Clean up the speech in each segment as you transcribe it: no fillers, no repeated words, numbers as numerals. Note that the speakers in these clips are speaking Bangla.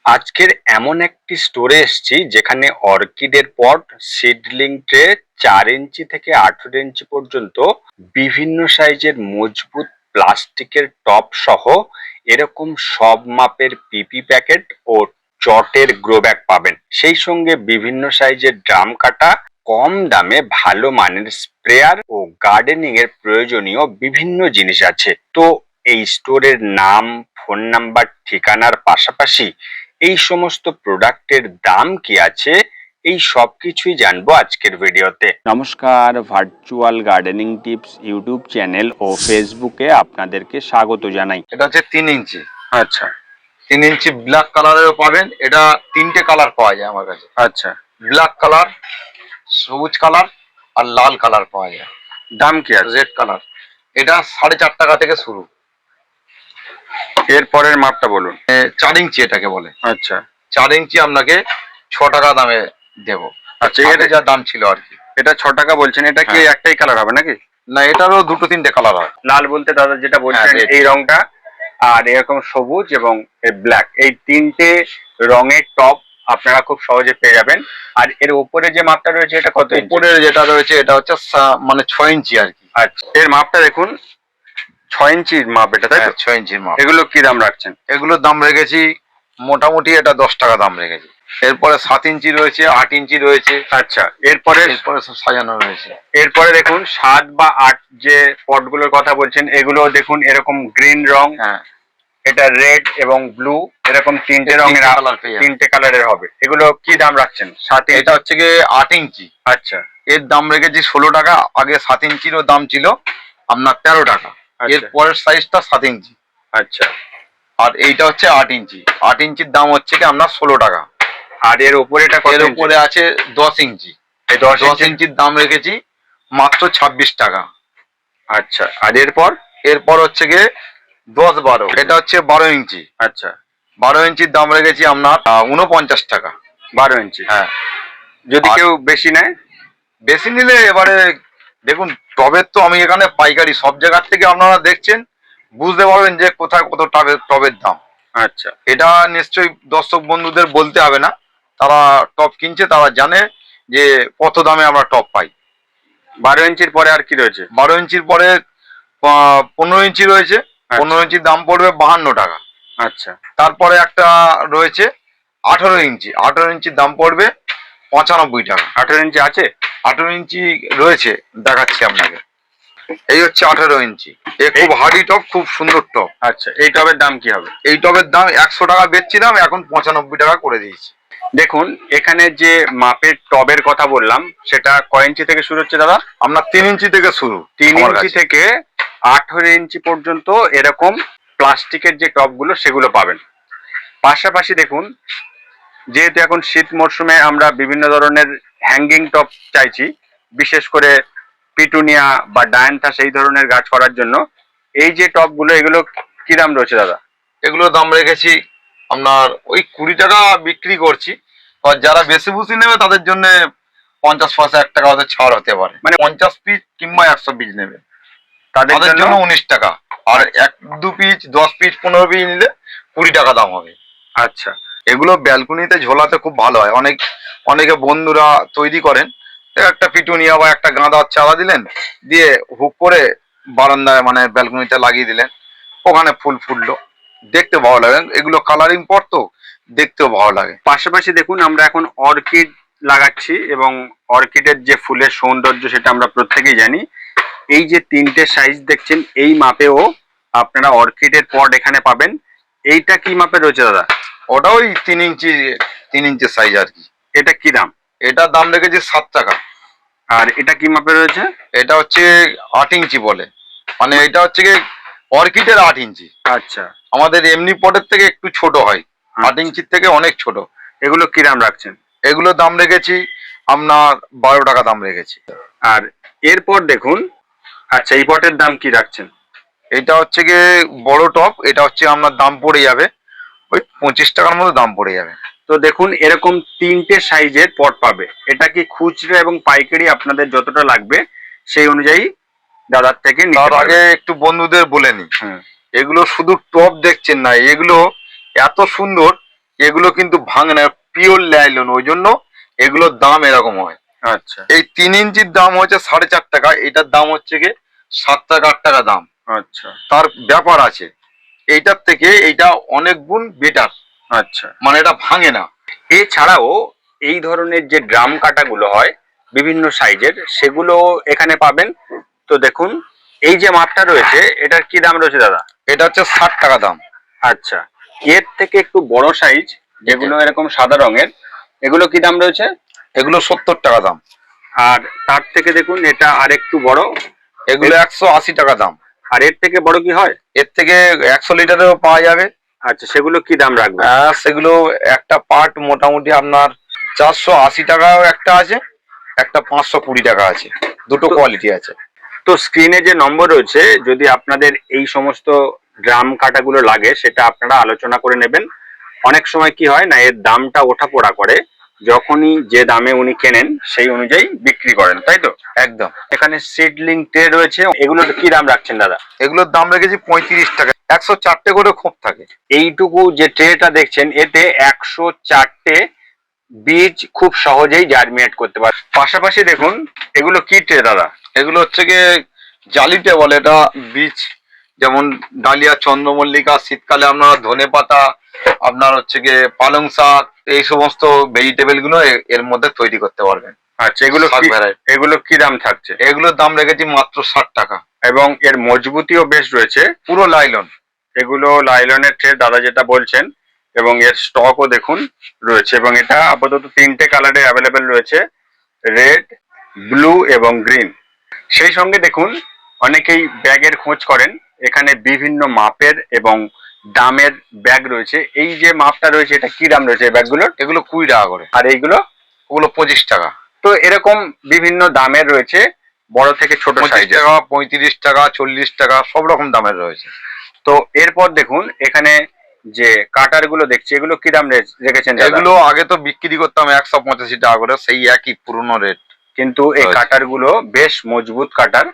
আজকের এমন একটি স্টোরে এসেছি যেখানে অর্কিডের পট, সিডলিং ট্রে 4 ইঞ্চি থেকে 18 ইঞ্চি পর্যন্ত বিভিন্ন সাইজের মজবুত প্লাস্টিকের টব সহ এরকম সব মাপের পিপি প্যাকেট ও চটের গ্রো ব্যাগ পাবেন। সেই সঙ্গে বিভিন্ন সাইজের ড্রাম কাটা, কম দামে ভালো মানের স্প্রেয়ার ও গার্ডেনিং এর প্রয়োজনীয় বিভিন্ন জিনিস আছে। তো এই স্টোরের নাম, ফোন নাম্বার, ঠিকানার পাশাপাশি এই সমস্ত প্রোডাক্টের দাম কি আছে, এই সব কিছুই জানবো আজকের ভিডিওতে। নমস্কার, virtual gardening tips YouTube channel ও ফেসবুকে আপনাদেরকে স্বাগত জানাই। এটা হচ্ছে 3 ইঞ্চি। আচ্ছা 3 ইঞ্চি ব্ল্যাক কালারেরও পাবেন। এটা 3টে কালার পাওয়া যায় আমার কাছে। আচ্ছা, ব্ল্যাক কালার, সবুজ কালার আর লাল কালার পাওয়া যায়। দাম কি আছে? Red colour. এটা 4.5 টাকা থেকে শুরু। এর পরের মাপটা বলুন। 4 ইঞ্চি এটাকে বলে। আচ্ছা 4 ইঞ্চি আপনাকে 6 টাকা দামে দেবো। আচ্ছা, এটা যা দাম ছিল আর কি। এটা 6 টাকা বলছেন, এটা কি হ্যাঁ। একটাই কালার হবে নাকি? না, এটারও 2-3টে কালার হয়। লাল বলতে দাদা যেটা বলছেন হ্যাঁ, red। এই রংটা, আর এরকম সবুজ এবং ব্ল্যাক, এই তিনটে রঙের টপ আপনারা খুব সহজে পেয়ে যাবেন। আর এর উপরে যে মাপটা রয়েছে এটা কত ইঞ্চি? উপরে যেটা রয়েছে এটা হচ্ছে মানে 6 ইঞ্চি আর কি। আচ্ছা, এর মাপটা দেখুন, 6 ইঞ্চির মাপ এটা, তাই তো? 6 ইঞ্চির মাপ। এগুলো কি দাম রাখছেন? এগুলোর দাম রেখেছি মোটামুটি এটা 10 টাকা দাম রেখেছি। এরপরে 7 ইঞ্চি রয়েছে, 8 ইঞ্চি রয়েছে। আচ্ছা, এরপরে এরপরে সব সাজানো রয়েছে। এরপরে দেখুন 7 বা 8 যে পটগুলোর কথা বলছেন, এগুলো দেখুন এরকম গ্রিন রং, হ্যাঁ, এটা রেড এবং ব্লু, এরকম তিনটে এই রঙের তিনটে কালার পেয়ে যাবেন। তিনটে কালারের হবে। এগুলো কি দাম রাখছেন? 7 এটা হচ্ছে গিয়ে 8 ইঞ্চি। আচ্ছা এর দাম রেখেছি 16 টাকা। আগে 7 ইঞ্চিরও দাম ছিল আপনার 13 টাকা। আচ্ছা। এর পরের সাইজটা 7 ইঞ্চি। আচ্ছা, আর এইটা হচ্ছে 8 ইঞ্চি। 8 ইঞ্চির দাম হচ্ছে কি আপনার 16 টাকা। আর এর উপরেটা কত এর ইঞ্চি? উপরে আছে 10 ইঞ্চি। এই 10 10 ইঞ্চি। ইঞ্চির দাম রেখেছি মাত্র 26 টাকা। আচ্ছা, আর এরপর? এরপর হচ্ছে গিয়ে 10-12, এটা হচ্ছে 12 ইঞ্চি। আচ্ছা, 12 ইঞ্চির দাম রেখেছি আপনার 49 টাকা। 12 ইঞ্চি। হ্যাঁ। যদি আর কেউ বেশি নেয়? বেশি নিলে এবারে দেখুন, টবের তো আমি এখানে পাইকারি, সব জায়গার থেকে আপনারা দেখছেন, বুঝতে পারবেন যে কোথায় কত টবের দাম। আচ্ছা, এটা নিশ্চয়ই দর্শক বন্ধুদের বলতে হবে না, তারা টব কিনছে, তারা জানে যে কত দামে আমরা টব পাই। 12 ইঞ্চির পরে আর কি রয়েছে? 12 ইঞ্চির পরে 15 ইঞ্চি রয়েছে। 15 ইঞ্চির দাম পড়বে 52 টাকা। আচ্ছা, তারপরে একটা রয়েছে 18 ইঞ্চি। 18 ইঞ্চির দাম পড়বে 95 টাকা। 18 ইঞ্চি আছে? 18 ইঞ্চি রয়েছে, দেখাচ্ছি আপনাকে। এই হচ্ছে 18 ইঞ্চি। এ খুব হার্ডি টব, খুব সুন্দর টব। আচ্ছা, এই টবের দাম কি হবে? এই টবের দাম 100 টাকা বেচছিলাম, এখন 95 টাকা করে দিয়েছি। দেখুন এখানে যে মাপের টবের কথা বললাম, সেটা কয় ইঞ্চি থেকে শুরু হচ্ছে দাদা? আপনার 3 ইঞ্চি থেকে শুরু। 3 আমার ইঞ্চি কাছে। থেকে 18 ইঞ্চি পর্যন্ত এরকম প্লাস্টিকের যে টবগুলো সেগুলো পাবেন। পাশাপাশি দেখুন, যেহেতু এখন শীত মরশুমে আমরা বিভিন্ন ধরনের হ্যাঙ্গিং টব চাইছি, বিশেষ করে পিটুনিয়া বা ডায়ান্থাস এই ধরনের গাছ করার জন্য, এই যে টবগুলো এগুলো কি দাম রয়েছে দাদা? এগুলোর দাম রেখেছি আপনার ওই 20 টাকা বিক্রি করছি। আর যারা বেশি বুঝি নেবে তাদের জন্য 50 পয়সা 1 টাকা ওদের ছাড় হতে পারে। মানে 50 পিস কিংবা 100 পিস নেবে তাদের তাদের জন্য 19 টাকা। আর 1-2 পিস, 10 পিস, 15 পিস নিলে 20 টাকা দাম হবে। আচ্ছা, এগুলো ব্যালকনিতে ঝোলাতে খুব ভালো হয়। অনেকে বন্ধুরা তৈরি করেন, একটা পিটুনিয়া বা একটা গাঁদার চারা দিলেন, দিয়ে হুক করে বারান্দায় মানে ব্যালকনিতে লাগিয়ে দিলেন, ওখানে ফুল ফুটলো, দেখতে ভালো লাগে। এগুলো কালারিং পট তো, দেখতেও ভালো লাগে। পাশাপাশি দেখুন আমরা এখন অর্কিড লাগাচ্ছি, এবং অর্কিডের যে ফুলের সৌন্দর্য সেটা আমরা প্রত্যেকেই জানি। এই যে তিনটে সাইজ দেখছেন, এই মাপেও আপনারা অর্কিডের পট এখানে পাবেন। এইটা কি মাপে রয়েছে দাদা? ওটা ওই 3 ইঞ্চি, 3 ইঞ্চি সাইজ আর কি। এটা কি দাম? এটার দাম রেখেছি 7 টাকা। আর এটা কি মাপে রয়েছে? এটা হচ্ছে 8 ইঞ্চি বলে, মানে এটা হচ্ছে কি অর্কিডের 8 ইঞ্চি। আচ্ছা, আমাদের এমনি পটের থেকে একটু ছোট হয়, 8 ইঞ্চির থেকে অনেক ছোট। এগুলো কি দাম রাখছেন? এগুলো দাম রেখেছি আপনার 12 টাকা দাম রেখেছি। আর এরপর দেখুন, আচ্ছা এই পটের দাম কি রাখছেন? এটা হচ্ছে গিয়ে বড় টপ, এটা হচ্ছে আপনার দাম পড়ে যাবে ওই 25 টাকার মতো দাম পড়ে যাবে। তো দেখুন এরকম তিনটে সাইজের পট পাবে। এটা কি খুচরা এবং পাইকারি আপনাদের যতটা লাগবে সেই অনুযায়ী দাদার থেকে নিতে তার আগে পারবেন। একটু বন্ধুদের বলে নি, হুম, এগুলো শুধু টপ দেখছেন না, এগুলো এত সুন্দর, এগুলো কিন্তু ভাঙে না, পিওর লাইলন, ওই জন্য এগুলোর দাম এরকম হয়। আচ্ছা এই 3 ইঞ্চির দাম হচ্ছে 4.5 টাকা, এটার দাম হচ্ছে কি 7 টাকা 8 টাকা দাম। আচ্ছা তার ব্যাপার আছে, এইটার থেকে এইটা অনেক গুণ বেটার, আচ্ছা। মানে এটা ভাঙে না। এছাড়াও এই ধরনের যে ড্রাম কাটাগুলো হয় বিভিন্ন সাইজের, সেগুলো এখানে পাবেন। তো দেখুন, এই যে মাপটা রয়েছে এটার কি দাম রয়েছে দাদা? এটা হচ্ছে 60 টাকা দাম। আচ্ছা, এর থেকে একটু বড় সাইজ যেগুলো এরকম সাদা রঙের, এগুলো কি দাম রয়েছে? এগুলো 70 টাকা দাম। আর তার থেকে দেখুন এটা আর একটু বড়, এগুলো 180 টাকা দাম। আর এর থেকে বড় কি হয়? এর থেকে 100 লিটারেও পাওয়া যাবে। আচ্ছা, সেগুলো কি দাম রাখবে? সেগুলো একটা পার্ট মোটামুটি আপনার 480 টাকাও একটা আছে, একটা 520 টাকা আছে, দুটো কোয়ালিটি আছে। তো স্ক্রিনে যে নম্বর রয়েছে, যদি আপনাদের এই সমস্ত ড্রাম কাটাগুলো লাগে সেটা আপনারা আলোচনা করে নেবেন। অনেক সময় কি হয় না, এর দামটা ওঠাপড়া করে, যখনই যে দামে উনি কেনেন সেই অনুযায়ী বিক্রি করেন, তাই তো? একদম। এখানে সিডলিং ট্রে রয়েছে, এগুলোর কি দাম রাখছেন দাদা? এগুলোর দাম রেখেছি 35 টাকা, 104টে করে খোপ থাকে। এইটুকু যে ট্রেটা দেখছেন এতে 104টে বীজ খুব সহজেই জার্মিনেট করতে পারে। পাশাপাশি দেখুন, এগুলো কি ট্রে দাদা? এগুলো হচ্ছে গিয়ে জালিটে বলে, এটা বীজ, যেমন ডালিয়া, চন্দ্রমল্লিকা, শীতকালে আপনার ধনে পাতা, আপনার হচ্ছে গিয়ে পালং শাক, এই সমস্ত ভেজিটেবল গুলো এর মধ্যে তৈরি করতে পারবেন। আচ্ছা, এগুলো শাক কি, ভ্যারাইটি। এগুলো কি দাম থাকছে? এগুলোর দাম রেখেছি মাত্র 60 টাকা। এবং এর মজবুতিও বেশ রয়েছে, পুরো লাইলন। এগুলো লাইলনের ট্রে দাদা যেটা বলছেন, এবং এর স্টকও দেখুন রয়েছে, এবং এটা আপাতত 3টে কালারে অ্যাভেলেবেল রয়েছে, রেড, ব্লু এবং গ্রিন। সেই সঙ্গে দেখুন, অনেকেই ব্যাগের খোঁজ করেন, এখানে বিভিন্ন মাপের এবং দামের ব্যাগ রয়েছে। এই যে মাপটা রয়েছে এটা কি দাম রয়েছে এই ব্যাগগুলোর? এগুলো 20 টাকা করে। আর এইগুলো? ওগুলো 25 টাকা। তো এরকম বিভিন্ন দামের রয়েছে, বড় থেকে ছোট 25 সাইজের। টাকা, 35 টাকা, 40 টাকা, সব রকম দামের রয়েছে। তো এরপর দেখুন, এখানে যে কাটার গুলো দেখছি, এগুলো কি দাম রেখেছেন দাদা? এগুলো আগে তো বিক্রি করতাম 185 টাকা করে, সেই একই পুরনো রেট। কিন্তু এই রয়েছে। কাটার গুলো বেশ মজবুত কাটার,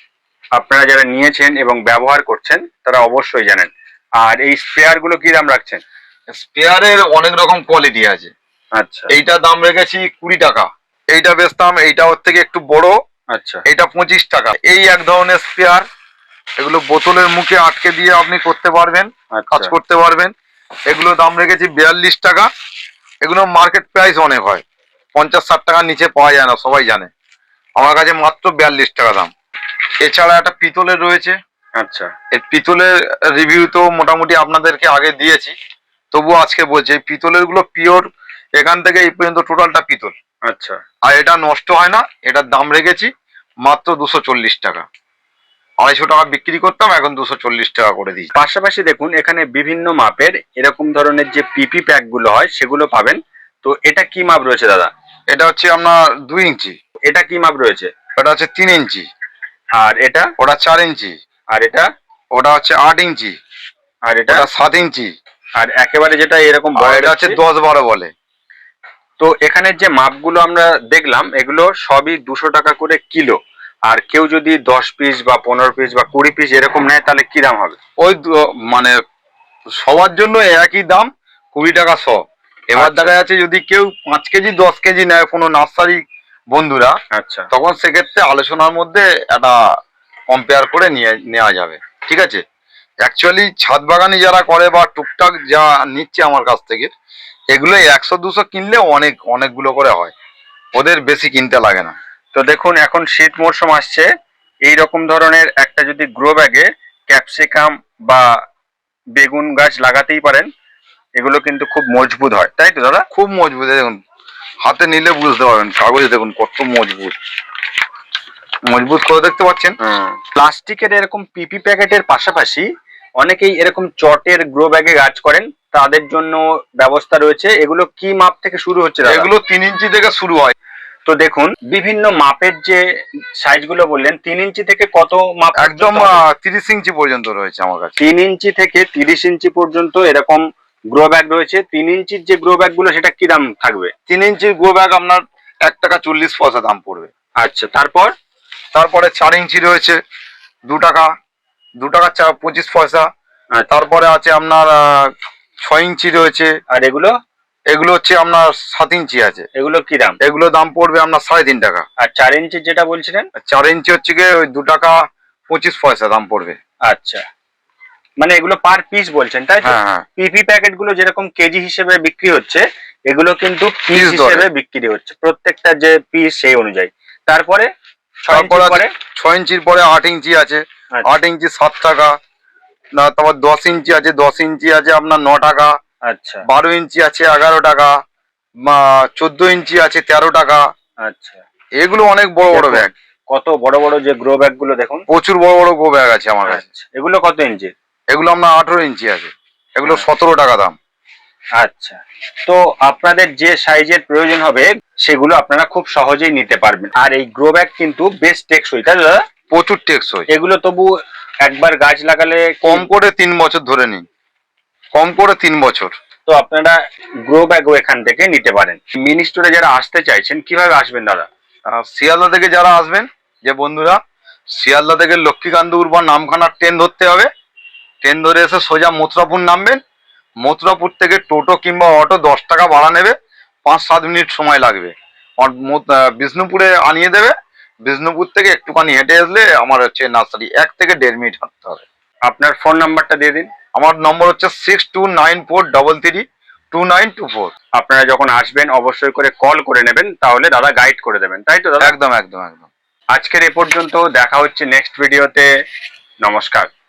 আপনারা যারা নিয়েছেন এবং ব্যবহার করছেন তারা অবশ্যই জানেন। আর এই স্পেয়ার গুলো কি দাম রাখছেন? স্পেয়ারের অনেক রকম কোয়ালিটি আছে। আচ্ছা এইটা দাম রেখেছি 20 টাকা। এইটা বেচতাম, এইটা ওর থেকে একটু বড়, আচ্ছা এইটা 25 টাকা। এই এক ধরনের স্পেয়ার, এগুলো বোতলের মুখে আটকে দিয়ে আপনি করতে পারবেন, কাজ আচ্ছা করতে পারবেন। এগুলো দাম রেখেছি 42 টাকা। এগুলো মার্কেট প্রাইস অনেক হয়, 50-60 টাকার নিচে পাওয়া যায় না, সবাই জানে। আমার কাছে মাত্র 42 টাকা দাম। এছাড়া একটা পিতলের রয়েছে। আচ্ছা এই পিতলের রিভিউ তো মোটামুটি আপনাদেরকে আগে দিয়েছি, তবুও আজকে বলছি, এই পিতলের গুলো পিওর, এখান থেকে এই পর্যন্ত টোটালটা পিতল। আচ্ছা আর এটা নষ্ট হয় না। এটার দাম রেখেছি মাত্র 240 টাকা। 250 টাকা বিক্রি করতাম, এখন 240 টাকা করে দিই। পাশাপাশি দেখুন, এখানে বিভিন্ন মাপের এরকম ধরনের যে পিপি প্যাক গুলো হয় সেগুলো পাবেন। তো এটা কি মাপ রয়েছে দাদা? এটা হচ্ছে আপনার 2 ইঞ্চি। এটা কি মাপ রয়েছে? ওটা হচ্ছে 3 ইঞ্চি। আর এটা? ওটা 4 ইঞ্চি। আর এটা? ওটা হচ্ছে 8 ইঞ্চি। আর এটা? ওটা 7 ইঞ্চি। আর একেবারে যেটা এরকম আর বড় এটা হচ্ছে দেখছি? 10-12 বলে। তো এখানে যে মাপগুলো আমরা দেখলাম এগুলো সবই 200 টাকা করে কিলো। আর কেউ যদি 10 পিস বা 15 পিস বা 20 পিস এরকম নেয় তাহলে কি দাম হবে? ওই মানে সবার জন্য একই দাম, 20 টাকা 100। এবার আচ্ছা। দেখা যাচ্ছে যদি কেউ 5 কেজি 10 কেজি নেয় কোনো নার্সারি বন্ধুরা, আচ্ছা তখন সেক্ষেত্রে আলোচনার মধ্যে একটা কম্পেয়ার করে নেওয়া যাবে, ঠিক আছে। অ্যাকচুয়ালি ছাদ বাগানি যারা করে বা টুকটাক যা নিচ্ছে আমার কাছ থেকে, এগুলো 100-200 কিনলে অনেকগুলো করে হয়, ওদের বেশি কিনতে লাগে না। তো দেখুন, এখন শীত মরশুম আসছে, এই রকম ধরনের একটা যদি গ্রো ব্যাগে ক্যাপসিকাম বা বেগুন গাছ লাগাতেই পারেন। এগুলো কিন্তু খুব মজবুত হয়, তাই তো দাদা? খুব মজবুত, দেখুন হাতে নিলে বুঝতে পারবেন, কাগজে দেখুন কত মজবুত, মজবুত করে দেখতে পাচ্ছেন। প্লাস্টিকের এরকম পিপি প্যাকেটের পাশাপাশি অনেকেই এরকম চটের গ্রো ব্যাগে গাছ করেন, তাদের জন্য ব্যবস্থা রয়েছে। এগুলো কি মাপ থেকে শুরু হচ্ছে দাদা? এগুলো 3 ইঞ্চি থেকে শুরু হয়। তো দেখুন, বিভিন্ন মাপের যে সাইজগুলো বললেন, 3 ইঞ্চি থেকে কত মাপ? একদম 30 ইঞ্চি পর্যন্ত রয়েছে আমার কাছে। 3 ইঞ্চি থেকে 30 ইঞ্চি পর্যন্ত এরকম গ্রো ব্যাগ রয়েছে। 3 ইঞ্চির যে গ্রো ব্যাগ গুলো সেটা কি দাম থাকবে? 3 ইঞ্চির গ্রো ব্যাগ আপনার 1 টাকা 40 পয়সা দাম পড়বে। আচ্ছা, তারপর? তারপরে 4 ইঞ্চি রয়েছে 2 টাকা, 2 টাকা 25 পয়সা। আচ্ছা। তারপরে আছে আপনার 6 ইঞ্চি রয়েছে। আর এগুলো এগুলো হচ্ছে আপনার 7 ইঞ্চি আছে। এগুলো কি দাম? এগুলো দাম পড়বে আপনার 3.5 টাকা। আর 4 ইঞ্চি যেটা বলছিলেন? আর 4 ইঞ্চি হচ্ছে গিয়ে ওই 2 টাকা 25 পয়সা দাম পড়বে। আচ্ছা, মানে এগুলো পার পিস বলছেন তাই তো? হ্যাঁ হ্যাঁ। পিপি প্যাকেট গুলো যেরকম কেজি হিসেবে বিক্রি হচ্ছে, এগুলো কিন্তু পিস Piece ধরে। হিসেবে বিক্রি হচ্ছে, প্রত্যেকটা যে পিস সেই অনুযায়ী। তারপরে 6 তারপর ইঞ্চির আছে পরে? 6 ইঞ্চির পরে 8 ইঞ্চি আছে। আচ্ছা। 8 ইঞ্চি 7 টাকা। না তারপর 10 ইঞ্চি আছে, 10 ইঞ্চি আছে আপনার 9 টাকা। আচ্ছা 12 ইঞ্চি আছে 11 টাকা। 14 ইঞ্চি আছে 13 টাকা। আচ্ছা, এগুলো অনেক বড় বড় দেখুন, ব্যাগ। কত বড় বড় যে গ্রো ব্যাগ গুলো দেখুন। প্রচুর বড় বড় গো ব্যাগ আছে আমার কাছে। আচ্ছা, এগুলো কত ইঞ্চি? এগুলো আপনার 18 ইঞ্চি আছে। এগুলো হ্যাঁ। 17 টাকা দাম। আচ্ছা, তো আপনাদের যে সাইজের প্রয়োজন হবে সেগুলো আপনারা খুব সহজেই নিতে পারবেন। আর এই গ্রো ব্যাগ কিন্তু বেশ টেকসই, তাই তো দাদা? প্রচুর টেকসই। এগুলো তবু একবার গাছ লাগালে কম করে 3 বছর ধরে নিন। কম করে 3 বছর। তো আপনারা গ্রো ব্যাগও এখান থেকে নিতে পারেন। মিনি স্টোরে যারা আসতে চাইছেন কিভাবে আসবেন দাদা? শিয়ালদা থেকে যারা আসবেন, যে বন্ধুরা শিয়ালদা থেকে লক্ষ্মীকান্তপুর বা নামখানার ট্রেন ধরতে হবে। ট্রেন ধরে এসে সোজা মথুরাপুর নামবেন। মথুরাপুর থেকে টোটো কিংবা অটো 10 টাকা ভাড়া নেবে, 5-7 মিনিট সময় লাগবে। বিষ্ণুপুরে আনিয়ে দেবে। বিষ্ণুপুর থেকে একটুখানি হেঁটে আসলে আমার হচ্ছে নার্সারি, 1 থেকে 1.5 মিনিট হাঁটতে হবে। আপনার ফোন নাম্বারটা দিয়ে দিন। আমার নম্বর হচ্ছে 6294332924। আপনারা যখন আসবেন অবশ্যই করে কল করে নেবেন, তাহলে দাদা গাইড করে দেবেন, তাই তো দাদা? একদম একদম একদম। আজকের এ পর্যন্ত, দেখা হচ্ছে নেক্সট ভিডিওতে। নমস্কার।